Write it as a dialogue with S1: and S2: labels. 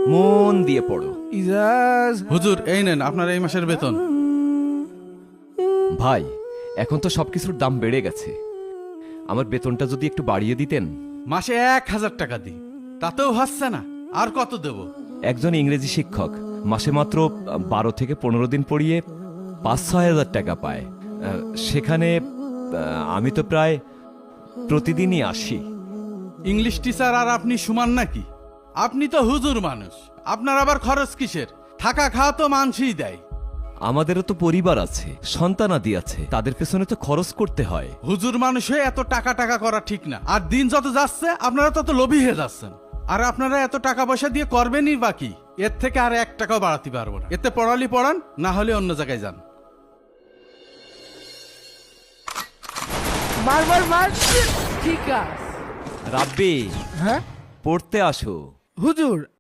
S1: মন দিয়ে পড়ো।
S2: ইজাজ
S3: হুজুর এই নেন আপনার এই মাসের বেতন।
S1: ভাই, এখন তো সবকিছুর দাম বেড়ে গেছে, আমার বেতনটা যদি একটু বাড়িয়ে দিতেন।
S3: মাসে 1000 টাকা দিই, তাতেও হচ্ছে না, আর কত দেব?
S1: একজন ইংরেজি শিক্ষক মাসে মাত্র 12 থেকে 15 দিন পড়িয়ে 5-6 হাজার টাকা পায়। সেখানে আমি তো প্রায় প্রতিদিনই আসি।
S3: ইংলিশ টিচার আর আপনি সমান নাকি? আপনি তো হুজুর মানুষ, আপনার আবার খরচ কিসের? থাকা খাওয়া তো মানুষই দেয়।
S1: আমাদেরও তো পরিবার আছে, সন্তানাদি আছে, তাদের পেছনে তো খরচ করতে হয়।
S3: হুজুর মানুষ হয়ে এত টাকা টাকা করা ঠিক না। আর দিন যত যাচ্ছে আপনারা তত লোভী হয়ে যাচ্ছেন। আর আপনারা এত টাকা পয়সা দিয়ে করবেনই বাকি, এর থেকে আর 1 টাকাও বাড়াতে পারবো না। এতে পড়ালি পড়ান, না হলে অন্য জায়গায় যান।
S2: মার ঠিক আছে।
S1: রাব্বি,
S2: হ্যাঁ
S1: পড়তে আসো।
S2: হুজুর,